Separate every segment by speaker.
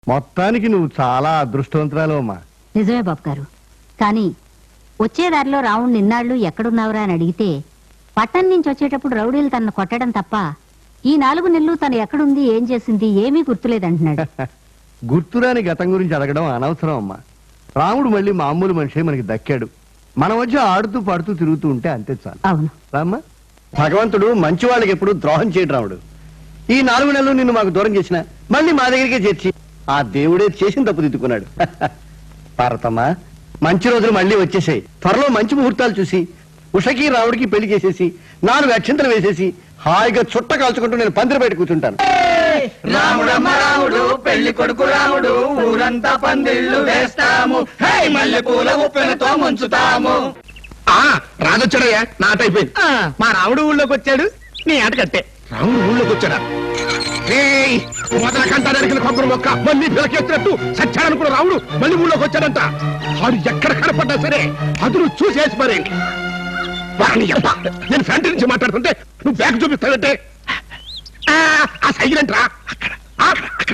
Speaker 1: మొత్తానికి నువ్వు చాలా అదృష్టవంతురాలు అమ్మా.
Speaker 2: నిజమే బాబు గారు. కానీ వచ్చే దారిలో రావుణ్ణి నిన్నాళ్ళు ఎక్కడున్నావురా అని అడిగితే పట్టణం నుంచి వచ్చేటప్పుడు రౌడీలు తనను కొట్టడం తప్ప ఈ 4 నెలలు తను ఎక్కడుంది ఏం చేసింది ఏమీ గుర్తులేదంటున్నాడు.
Speaker 1: గుర్తురాని గతం గురించి అడగడం అనవసరం అమ్మా. రాముడు మళ్ళీ మామూలు మనిషి మనకి దక్కాడు. మన మధ్య ఆడుతూ పాడుతూ తిరుగుతూ ఉంటే అంతే చాలు.
Speaker 2: అవును
Speaker 1: రామ్మా. భగవంతుడు మంచి వాళ్ళకి ఎప్పుడు ద్రోహం చేయడు రాముడు. ఈ 4 నెలలు నిన్ను మాకు దూరం చేసిన మళ్ళీ మా దగ్గరికే చేర్చి ఆ దేవుడే చేసిన తప్పు దిద్దుకున్నాడు. పార్వతమ్మా, మంచి రోజులు మళ్ళీ వచ్చేసాయి. త్వరలో మంచి ముహూర్తాలు చూసి ఉషకి రాముడికి పెళ్లి చేసేసి 4 అక్షంతలు వేసేసి హాయిగా చుట్ట కాల్చుకుంటూ నేను పందిరి బయట కూర్చుంటాను.
Speaker 3: రాముడమ్మ రాముడు పెళ్లి కొడుకు రాముడు ఊరంతా పందిళ్ళు వేస్తాము, మల్లె పూల ఉప్పెనతో ముంచుతాము.
Speaker 4: రాజొచ్చాడయ్యా, నా ఆట అయిపోయింది.
Speaker 3: మా రాముడు ఊళ్ళోకి వచ్చాడు, నీ ఆట కట్టే.
Speaker 4: రాముడు ఊళ్ళోకి వచ్చాడా? మొదల కంట నరికిన కొబ్బరి మొక్క మళ్ళీ పిలకెత్తినట్టు సచ్చాడనుకున్న రాముడు మళ్ళీ ఊళ్ళోకి వచ్చాడంట. వాడు ఎక్కడ కనపడ్డా సరే అదును చూసేసి మరేంటి. నేను ఫ్రంట్ నుంచి మాట్లాడుతుంటే నువ్వు బ్యాగ్ చూపిస్తావంటే ఆ సైలెంట్ రా. అక్కడ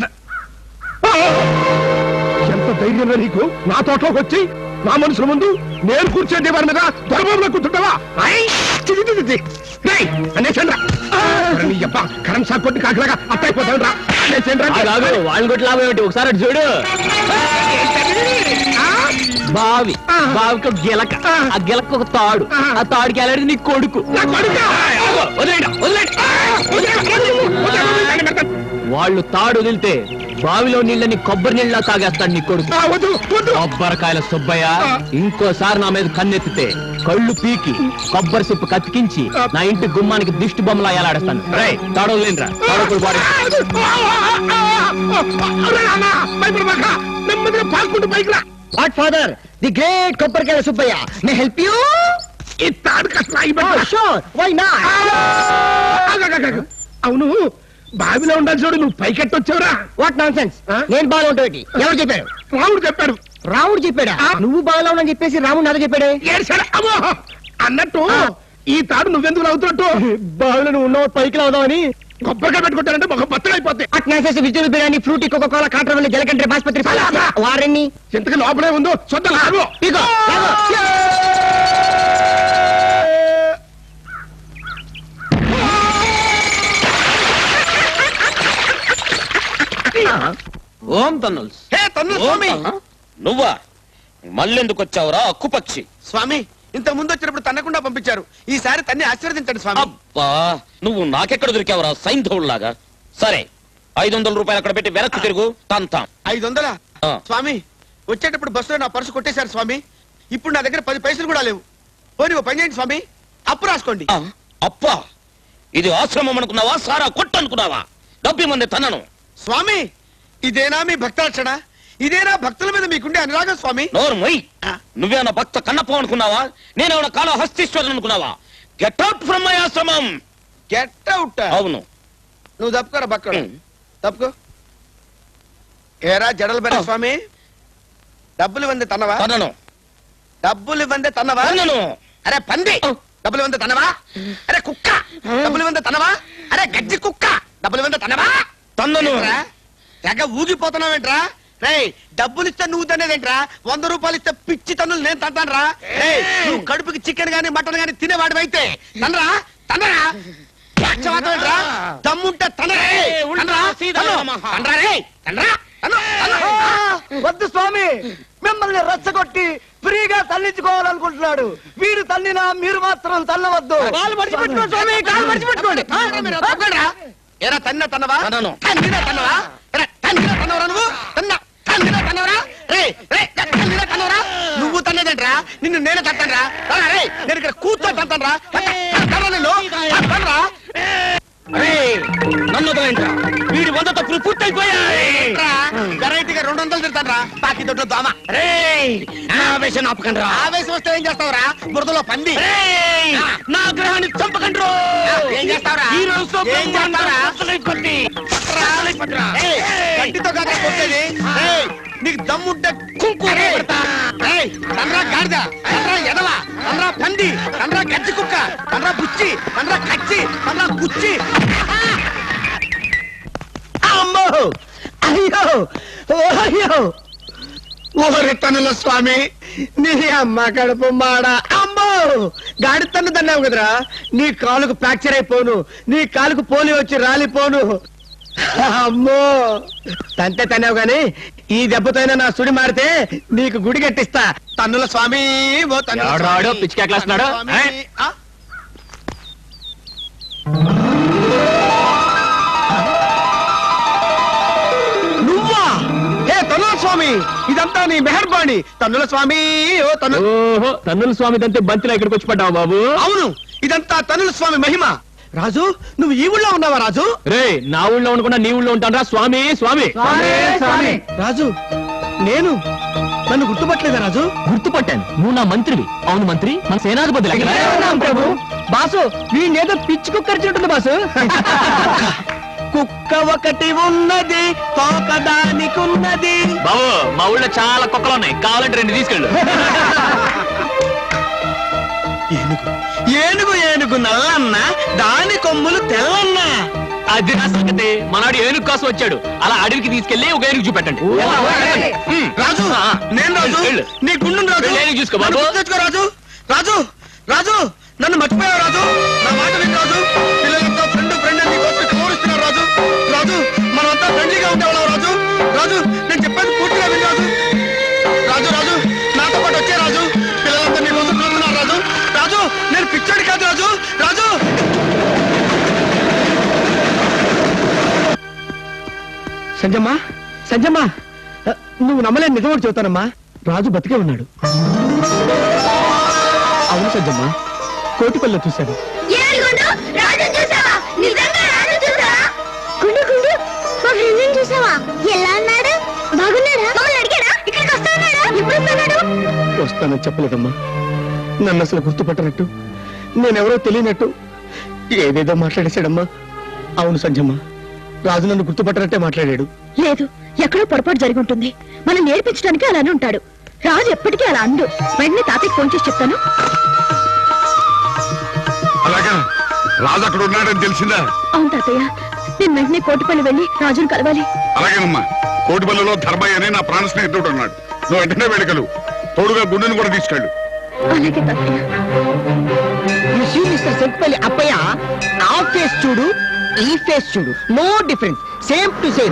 Speaker 4: ఎంత ధైర్యం నీకు నా తోటలోకి వచ్చి నా మనుషుల ముందు నేను కూర్చోండి వారి మీద దొరబాబులో కూర్చుంటావా? కరెంట్ షాక్ కొట్టి కాకలాగా అత్తైపోతాడు రా.
Speaker 3: వాళ్ళు కొట్టి లాభం ఏమిటి ఒకసారి అటు చూడు. బావి బావికి ఒక గిలక, ఆ గిలక ఒక తాడు, ఆ తాడుకి వెళ్ళాడు నీ కొడుకు. వాళ్ళు తాడు వదిలితే బావిలో నీళ్ళని కొబ్బరి నీళ్ళ తాగేస్తాడు నీ కొడుకు. కొబ్బరికాయల సుబ్బయ్య ఇంకోసారి నా మీద కన్నెత్తితే కళ్ళు పీకి కొబ్బరి సిప్పు కతికించి నా ఇంటి గుమ్మానికి దిష్టి బొమ్మలా ఎలాడేస్తాను. రే తాడు వదిలేంద్రా, తాడు
Speaker 4: పాల్గొంటూ పైకి రా.
Speaker 3: వాట్ ఫాదర్, ది గ్రేట్ కొబ్బరికాయల సుబ్బయ్య, మే హెల్ప్ యూ?
Speaker 4: ఈ తాడు
Speaker 3: వై నాట్?
Speaker 4: అవును, బావిలో ఉండాలి చూడు, నువ్వు పైకెట్టొచ్చావురా.
Speaker 3: వాట్ నాన్ సెన్స్, నేను బాగా ఉంటాయి. ఎవరు చెప్పారు?
Speaker 4: రాముడు చెప్పాడు.
Speaker 3: రాముడు చెప్పాడా? నువ్వు బాగా ఉన్నావు చెప్పేసి రాముడు నాతో చెప్పాడే.
Speaker 4: అన్నట్టు ఈ తాడు నువ్వెందుకు అవుతున్నట్టు?
Speaker 3: బావిలో నువ్వు ఉన్నావు పైకి అవుదామని.
Speaker 4: కొబ్బరికాయ పెట్టుకుంటానంటే ఒక బత్తలు అయిపోతాయి.
Speaker 3: అట్నాసేసి వెజిటబుల్ బిర్యానీ, ఫ్రూటీ, కోకోకోలా, కాటరవల్లి, జలకండ్రి, బాస్పత్రి వారెన్ని
Speaker 4: ఇంతకు లోపలే ఉందో చూద్దాం.
Speaker 5: ఓం తన్నుల్స్. నువ్వా మళ్ళెందుకు వచ్చావురా అక్కుపక్షి?
Speaker 6: స్వామి, ఇంత ముందు వచ్చినప్పుడు తన్నకుండా పంపించారు, ఈసారి తన్ని ఆశీర్వదించండి స్వామి.
Speaker 5: అబ్బా, నువ్వు నాకెక్కడ దొరికావురా సైంధవుల్లాగా? సరే, 500 రూపాయలు అక్కడ పెట్టి వెనక్కి తిరుగు, తంతాం.
Speaker 6: 500? స్వామి, వచ్చేటప్పుడు బస్సులో నా పర్సు కొట్టేశారు స్వామి. ఇప్పుడు నా దగ్గర 10 పైసలు కూడా లేవు. పోనీ ఓ పని చేయండి స్వామి, అప్పు రాసుకోండి.
Speaker 5: అప్పా, ఇది ఆశ్రమం అనుకున్నావా, సారా కొట్టు అనుకున్నావా? డబ్బు మంది తనను.
Speaker 6: స్వామి, ఇదేనా మీ భక్తార్చన? ఇదేనా భక్తుల మీద మీకుండే అనురాగం స్వామి?
Speaker 5: నోర్మయ్, నువ్వేనా భక్త కన్నప్ప అనుకున్నావా? నేనేమన్నా కాళహస్తీశ్వరుడు అనుకున్నావా? గెట్ అవుట్ ఫ్రమ్ మై ఆశ్రమం.
Speaker 6: Get out?
Speaker 5: అవును.
Speaker 6: నువ్వు తప్పుకోరా బక్కడు, తప్పుకో. ఏరా జడలు పెద్ద స్వామి, డబ్బులు ఇవ్వండి తన్నవా?
Speaker 5: తనను.
Speaker 6: డబ్బులు ఇవ్వండి తన్నవా?
Speaker 5: తనను.
Speaker 6: అరే పంది, డబ్బులు ఇవ్వండి తన్నవా? అరే కుక్క, డబ్బులు ఇవ్వండి తన్నవా? అరే గజ్జి కుక్క, డబ్బులు ఇవ్వండి తన్నవా?
Speaker 5: తన్నను.
Speaker 6: తెగ ఊగిపోతున్నావేంట్రా? రేయ్, డబ్బులు ఇస్తే నువ్వు తనేదేంట్రా? 100 రూపాయలు ఇస్తే పిచ్చి తన్నులు నేను తంటాను రా. నువ్వు కడుపుకి చికెన్ గానీ మటన్ గానీ తినేవాడు అయితే తనరా తనరా. దమ్ముంటే
Speaker 3: వద్దు స్వామి, మిమ్మల్ని రెచ్చగొట్టి ఫ్రీగా తల్లించుకోవాలనుకుంటున్నాడు. వీడు తల్లినా మీరు మాత్రం తల్లవద్దు.
Speaker 6: ఎరా తన్న తన్నవా? తన్నినా తన్నవా? తన్నినా తన్నవరా నువ్వు? తన్నినా తన్నవరా? తన్నినా తన్నవరా? నువ్వు తన్నేదేంట్రా? నిన్ను నేనే తట్టనరా? నేను ఇక్కడ కూర్చో తట్టనరా? నిన్ను తట్టనరా?
Speaker 5: నన్ను వదలంట్రా, వీడి 100 తప్పులు పూర్తయిపోయాయి.
Speaker 6: వెరైటీగా 200 తిడతానరా, బాకీ దొడ్లో దోమ.
Speaker 5: ఆవేశం ఆపకండి రా.
Speaker 6: ఆవేశం వస్తే ఏం చేస్తావురా? బురదలో పంది.
Speaker 5: నా గ్రహాన్ని చంపకండి.
Speaker 6: ఏం చేస్తావురా? ఏం చేస్తావురా? గడ్డితో కాదా కొట్టేది? నీకు దమ్ముంటే కుంకు తనరా గాడిద, తనరా ఎదవ, తనరా పంది, తనరా గజ్జి కుక్క, తనరా బుచ్చి, తనరా కచ్చి, తనరా గుచ్చి. అమ్మో
Speaker 1: అయ్యో ఓ అయ్యో
Speaker 6: ఓరి తనుల స్వామి
Speaker 1: నీ అమ్మ కడుపు మాడ అమ్మో గాడి తన్ను తన్నావు కదరా నీ కాలుకు ఫ్రాక్చర్ అయిపోను నీ కాలుకు పోలియో వచ్చి రాలిపోను అమ్మో తంతే తన్నావు గాని ఈ దెబ్బతోనే నా సుడి మారితే నీకు గుడి కట్టిస్తా
Speaker 6: తన్నుల స్వామి ఓ తన్నుల
Speaker 3: ఎవడాడో
Speaker 6: స్వామి,
Speaker 3: పిచ్చి కేకలేస్తున్నాడు?
Speaker 6: తన్నుల స్వామి. ఆ?
Speaker 1: నువ్వా ఏ తన్నుల స్వామి ఇదంతా నీ మెహర్బాణి తన్నుల స్వామి ఓ తన్ను
Speaker 3: ఓహో తన్నుల స్వామి దంతే బంతిలో ఇక్కడికి వచ్చి పడ్డావు బాబు.
Speaker 1: అవును ఇదంతా తన్నుల స్వామి మహిమ రాజు నువ్వు ఈ ఊళ్ళో ఉన్నావా రాజు
Speaker 3: రే నా ఊళ్ళో ఉండకుండా నీ ఊళ్ళో ఉంటాను రా స్వామి స్వామి.
Speaker 1: రాజు నేను నన్ను గుర్తుపట్టలేదా రాజు
Speaker 3: గుర్తుపట్టాను, నువ్వు నా మంత్రివి. అవును మంత్రి, మన సేనాధిపతి లెక్కన.
Speaker 1: ప్రభు బాసు వీణేదో పిచ్చి కుక్కరిచినట్టుంది బాసు కుక్క ఒకటి ఉన్నది తోకదానికున్నది
Speaker 3: బాబు మా ఊళ్ళో చాలా కుక్కలు ఉన్నాయి, కావాలంటే 2 తీసుకెళ్ళు.
Speaker 1: ఏనుగు ఏనుగు నల్లన్న దాని కొమ్ములు తెల్లన్న
Speaker 3: అది నా సంగతి. మనాడు ఏనుగు కోసం వచ్చాడు, అలా అడవికి తీసుకెళ్లి ఒక ఏనుగు చూపెట్టండి.
Speaker 6: రాజు నేను రాజు
Speaker 3: వెళ్ళు.
Speaker 6: నీ గుండు రాజు
Speaker 3: వెళ్ళి ఏనుగు చూసుకో
Speaker 6: నన్ను
Speaker 3: బాబు.
Speaker 6: గుర్తు తెచ్చుకో రాజు రాజు రాజు నన్ను మర్చిపోయావు రాజు నా మాట విని రాజు పిల్లలంతా ఫ్రెండ్ ఫ్రెండ్ అని నీకోసం కోరుస్తున్నారు రాజు రాజు మనమంతా ఫ్రెండ్లీగా ఉండేవాళ్ళం రాజు రాజు నేను చెప్పేది పూర్తిగా విని రాజు రాజు రాజు నాతో పాటు వచ్చే రాజు పిల్లలంతా నీకోసం చూస్తున్నారు రాజు రాజు నేను పిచ్చాడు కాదు రాజు రాజు
Speaker 1: సంజమ్మా సంజమ్మా నువ్వు నమ్మలేని నిజం చెబుతానమ్మా రాజు బతికే ఉన్నాడు అవును సంజమ్మా కోటిపల్లిలో చూశాను వస్తానని చెప్పలేదమ్మా నన్ను అసలు గుర్తుపట్టనట్టు నేనెవరో తెలియనట్టు ఏదేదో మాట్లాడేశాడమ్మా అవును సంజమ్మ రాజు నన్ను గుర్తుపట్టనట్టే మాట్లాడాడు
Speaker 7: లేదు, ఎక్కడో పొరపాటు జరిగి ఉంటుంది. మనం నేర్పించడానికి అలానే ఉంటాడు. రాజు ఎప్పటికీ అలా అండు. వెంటనే తాతయ్యకి ఫోన్ చేసి చెప్తాను.
Speaker 4: అలాగా రాజు అక్కడ ఉన్నాడని తెలిసిందా?
Speaker 7: అవును తాతయ్య, నేను వెంటనే కోటిపల్లి వెళ్ళి రాజును కలవాలి.
Speaker 4: అలాగేనమ్మా. కోటిపల్లిలో ధర్మయ్య అని నా ప్రాణ స్నేహితుడు ఉన్నాడు. నువ్వు వెంటనే వెళ్ళగలు. తోడుగా గుండెను కూడా తీసుకెళ్ళు.
Speaker 7: అలాగే తాతయ్య.
Speaker 1: సెట్పల్లి అప్పయ్య ఆ ఫేస్ చూడు ఈ ఫేస్ చూడు no difference same to same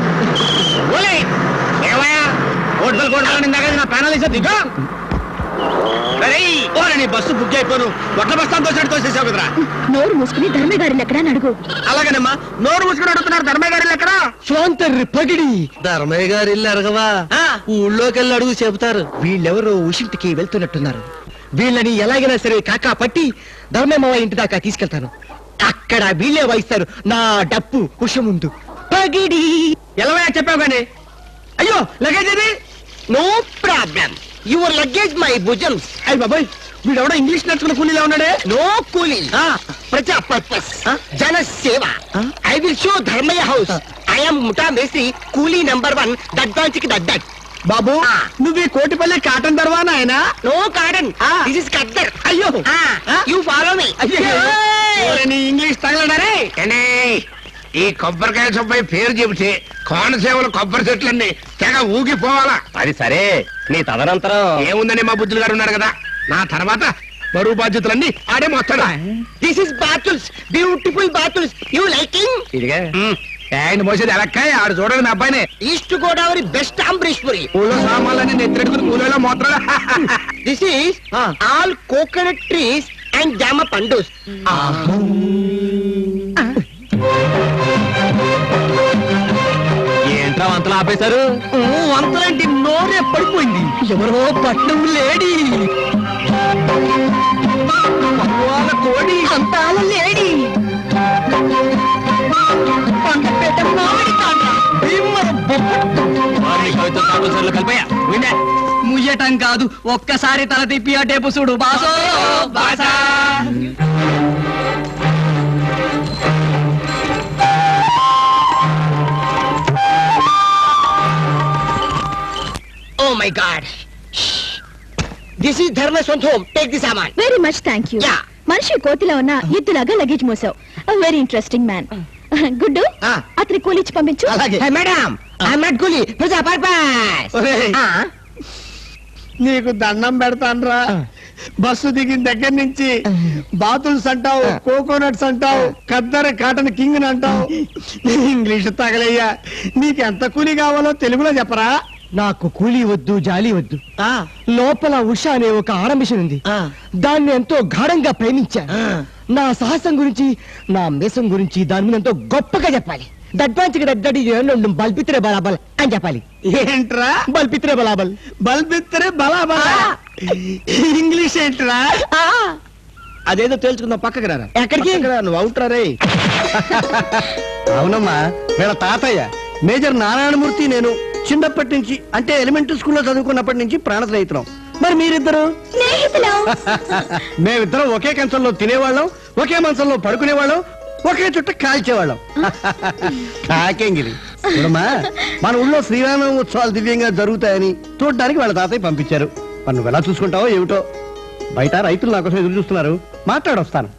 Speaker 1: bus book అయిపోను ఒట్ల బస్తాను తోసినట్టు తోసేసావు కదరా
Speaker 7: నోరు మూసుకుని ధర్మయ్య గారిని ఎక్కడా అడుగు.
Speaker 6: అలాగేనమ్మా నోరు మూసుకుని అడుగుతున్నారు ధర్మయ్య గారు ఎక్కడ
Speaker 1: స్వాంతర్రి పగిడి ధర్మయ్య గారు ఇల్లు అరగవా ఊళ్ళోకి వెళ్ళి అడుగు చెబుతారు వీళ్ళెవరో ఉషింటికి వెళ్తున్నట్టున్నారు వీళ్ళని ఎలాగైనా సరే కాకా పట్టి ధర్మయ్య ఇంటి దాకా తీసుకెళ్తాను అక్కడ వీళ్ళే వాయిస్తారు నా డప్పు ఉష ముందు పగిడి ఎలా చెప్పావు కానీ అయ్యో లగేజ్ ఇది no problem your luggage my భుజమ్స్ అయ్యి బాబాయ్ వీడెవడో ఇంగ్లీష్ నేర్చుకున్న కూలీలా ఉన్నాడే నో కూలీ ప్రజా పర్పస్ జన సేవ I will show Dharmaiah house I'm ముఠా మేసి కూలీ నెంబర్ 1 దడ్డాంచికి దడ్డాట్ బాబు నువ్వు ఈ కోటిపల్లి కాటన్ దర్వా నాయనా no cotton this is khaddar అయ్యో యు ఫాలో మీ నీ ఇంగ్లీష్ తగలడారే
Speaker 4: ఈ కొబ్బరికాయ సుబ్బయ్య పేరు చెబితే కోనసీమలు కొబ్బరి చెట్లన్నీ తెగ ఊగిపోవాలా.
Speaker 3: అది సరే, నీ తదనంతరం
Speaker 4: ఏముందని మా బుద్ధులు గారు ఉన్నారు కదా. నా తర్వాత బరువు బాధ్యతలన్నీ ఆడే మొత్తాడు.
Speaker 1: దిస్ ఇస్ బాతుల్స్ బ్యూటిఫుల్ బాతుల్స్ యు లైకింగ్
Speaker 3: ఇదిగా
Speaker 4: ఆయన మోసేది ఎలక్కాయ ఆడు చూడండి నా అబ్బాయిని.
Speaker 1: ఈస్ట్ గోదావరి బెస్ట్ అంబరీష్పురి
Speaker 4: ఊళ్ళో సామాన్లన్నీ నెత్తెడుకుని కూలీలో మోత్రాలు.
Speaker 1: This is all coconut trees and జామ పండుస్
Speaker 3: ఏంట్రా వంతలు ఆపేశారు?
Speaker 1: వంతలాంటి నోరే పడిపోయింది ఎవరో పట్నం లేడీ వాళ్ళ కోడి అంతాల లేడీ పండపేట మామిడి తాండ భీమర బొబ్బట్టు
Speaker 3: వారిని కవిత తాపసర్లు కలిపాయా వినే
Speaker 1: ముయ్యటం కాదు ఒక్కసారి తల తిప్పి ఆ టేపు చూడు బాసో బాసా oh my god this is Dharma సొంత హోమ్ టేక్ ది సామాన్
Speaker 7: very much thank you.
Speaker 1: Yeah.
Speaker 7: మనిషి కోతిలో ఉన్న ఎద్దులాగా లగేజ్ మోసావు. Very interesting man. Good
Speaker 1: Ah.
Speaker 7: అతని కూలిచ్చి పంపించు.
Speaker 1: అలాగే మేడం
Speaker 6: కూలి
Speaker 1: ఒరేయ్, నీకు దండం పెడతాన్రా. బస్సు దిగిన దగ్గర నుంచి బాతుల్స్ అంటావు, కోకోనట్స్ అంటావు, ఖద్దర్ కాటన్ కింగ్ అంటావు. ఇంగ్లీష్ తగలయ్యా. నీకెంత కూలి కావాలో తెలుగులో చెప్పరా?
Speaker 8: నాకు కూలీ వద్దు, జాలి వద్దు. లోపల ఉష అనే ఒక ఆరంభిషన్ ఉంది. దాన్ని ఎంతో గాఢంగా ప్రేమించా. నా సాహసం గురించి, నా మేసం గురించి దాని మీద ఎంతో గొప్పగా చెప్పాలి. దడ్వాంచికి దడ్డడి బల్పిత్రే బలాబల్ అని చెప్పాలి.
Speaker 1: ఏంట్రా?
Speaker 8: బల్పిత్రే బలాబల్.
Speaker 1: బల్బిత్తరే బలా ఇంగ్లీష్ ఏంట్రా? అదేదో తేల్చుకుందాం. పక్కకి రారా.
Speaker 8: ఎక్కడికి?
Speaker 1: పక్కకి రా, నువ్వు అవుట్రా రే. అవునమ్మా, వీళ్ళ తాతయ్య మేజర్ నారాయణమూర్తి నేను చిన్నప్పటి నుంచి, అంటే ఎలిమెంటరీ స్కూల్లో చదువుకున్నప్పటి నుంచి ప్రాణ స్నేహితులం. మరి మీరిద్దరు? మేమిద్దరం ఒకే కంచంలో తినేవాళ్ళం, ఒకే మంచంలో పడుకునేవాళ్ళం, ఒకే చుట్ట కాల్చేవాళ్ళం. కాకేంగిరి చూడమ్మా, మన ఊళ్ళో శ్రీరామ ఉత్సవాలు దివ్యంగా జరుగుతాయని చూడడానికి వాళ్ళ తాతయ్య పంపించారు. మరి నువ్వు ఎలా చూసుకుంటావో ఏమిటో. బయట రైతులు నా కోసం ఎదురు చూస్తున్నారు. మాట్లాడొస్తాను.